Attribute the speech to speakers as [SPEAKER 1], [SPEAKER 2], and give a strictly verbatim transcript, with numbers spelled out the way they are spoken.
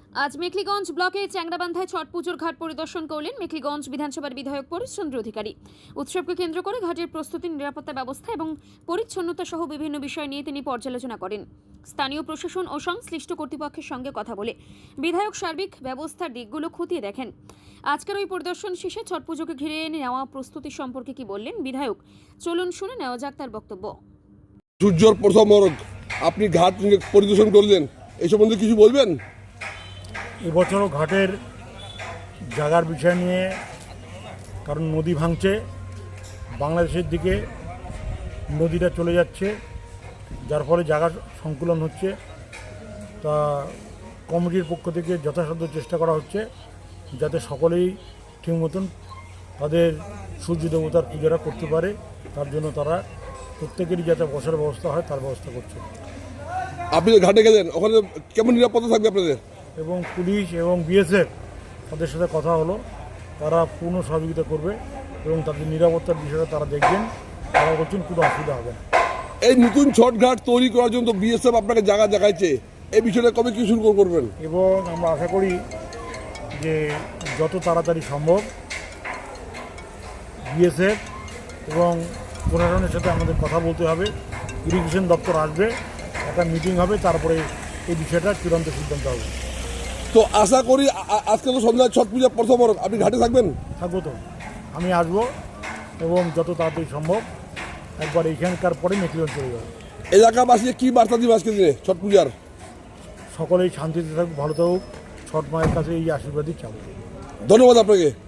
[SPEAKER 1] আজ মেখলিগঞ্জ ব্লকে চ্যাংরাবান্ধায় ছট পুজোর ঘাট পরিদর্শন করলেন মেখলিগঞ্জ বিধানসভার বিধায়ক পরিশ্চন্দ্র অধিকারী। উৎসবকে কেন্দ্র করে ঘাটের প্রস্তুতি, নিরাপত্তা ব্যবস্থা এবং পরিচ্ছন্নতা সহ বিভিন্ন বিষয় নিয়ে তিনি পর্যালোচনা করেন। স্থানীয় প্রশাসন ও সংশ্লিষ্ট কর্তৃপক্ষের সঙ্গে কথা বলে বিধায়ক সার্বিক ব্যবস্থার দিকগুলো খতিয়ে দেখেন। আজকের ওই পরিদর্শন শেষে ছট পুজোকে ঘিরে নেওয়া প্রস্তুতি সম্পর্কে কি বললেন বিধায়ক, চলুন শুনে নেওয়া যাক তার বক্তব্য।
[SPEAKER 2] সূর্যর প্রথম মরক আপনি ঘাট পরিদর্শন করলেন, এই সম্বন্ধে কিছু বলবেন?
[SPEAKER 3] এবছরও ঘাটের জায়গার বিষয় নিয়ে, কারণ নদী ভাঙছে, বাংলাদেশের দিকে নদীটা চলে যাচ্ছে, যার ফলে জায়গা সংকুলন হচ্ছে। তা কমিটির পক্ষ থেকে যথাসাধ্য চেষ্টা করা হচ্ছে যাতে সকলেই ঠিক মতন তাদের সূর্য দেবতার পূজাটা করতে পারে, তার জন্য তারা প্রত্যেকেরই যাতে বসার ব্যবস্থা হয় তার ব্যবস্থা করছে।
[SPEAKER 2] আপনি যে ঘাটে গেলেন, ওখানে কেমন নিরাপত্তা থাকবে আপনাদের?
[SPEAKER 3] এবং পুলিশ এবং বিএসএফ তাদের সাথে কথা হলো, তারা পূর্ণ সহযোগিতা করবে এবং তাদের নিরাপত্তার বিষয়টা তারা দেখবেন, তারা বলছেন কোনো অসুবিধা হবে না।
[SPEAKER 2] এই নতুন ছট ঘাট তৈরি করার জন্য বিএসএফ আপনাকে জায়গা দেখাইছে, এই বিষয়টা কবে কি শুরু করবেন?
[SPEAKER 3] এবং আমরা আশা করি যে যত তাড়াতাড়ি সম্ভব বিএসএফ এবং প্রশাসনের সাথে আমাদের কথা বলতে হবে, ইরিগেশন দপ্তর আসবে, একটা মিটিং হবে, তারপরে এই বিষয়টা চূড়ান্ত সিদ্ধান্ত হবে।
[SPEAKER 2] তো আশা করি আজকে তো সন্ধ্যায় ছট পূজা প্রথম মরক, আপনি ঘাটে থাকবেন?
[SPEAKER 3] থাকবো তো, আমি আসবো এবং যত তাড়াতাড়ি সম্ভব একবার এইখানকার পরে মেখলিগঞ্জ চলে যাবে।
[SPEAKER 2] এলাকাবাসী কি বার্তা দিবে আজকে দিনে ছট পূজার?
[SPEAKER 3] সকলেই শান্তিতে থাকুক, ভালো থাকুক, ছট মায়ের কাছে এই আশীর্বাদই চাবো।
[SPEAKER 2] ধন্যবাদ আপনাকে।